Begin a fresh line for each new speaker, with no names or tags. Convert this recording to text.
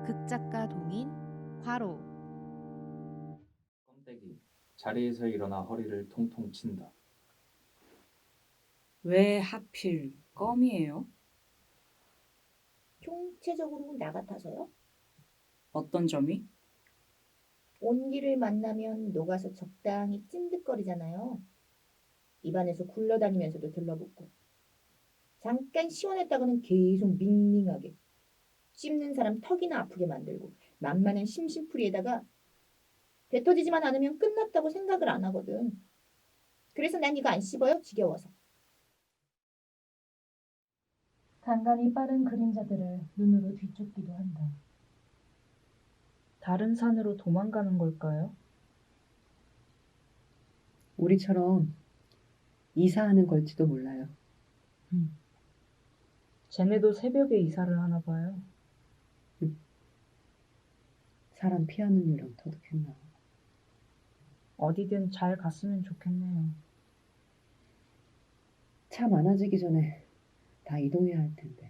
극작가 동인 과로.
껌떼기 자리에서 일어나 허리를 통통 친다.
왜 하필 껌이에요?
총체적으로 나 같아서요?
어떤 점이?
온기를 만나면 녹아서 적당히 찐득거리잖아요. 입안에서 굴러다니면서도 들러붙고. 잠깐 시원했다가는 계속 밍밍하게. 씹는 사람 턱이나 아프게 만들고. 만만한 심심풀이에다가 배 터지지만 않으면 끝났다고 생각을 안 하거든. 그래서 난 이거 안 씹어요. 지겨워서.
간간히 빠른 그림자들을 눈으로 뒤쫓기도 한다.
다른 산으로 도망가는 걸까요?
우리처럼 이사하는 걸지도 몰라요.
쟤네도 새벽에 이사를 하나 봐요.
사람 피하는 일은 터득했나.
어디든 잘 갔으면 좋겠네요.
차 많아지기 전에 다 이동해야 할 텐데.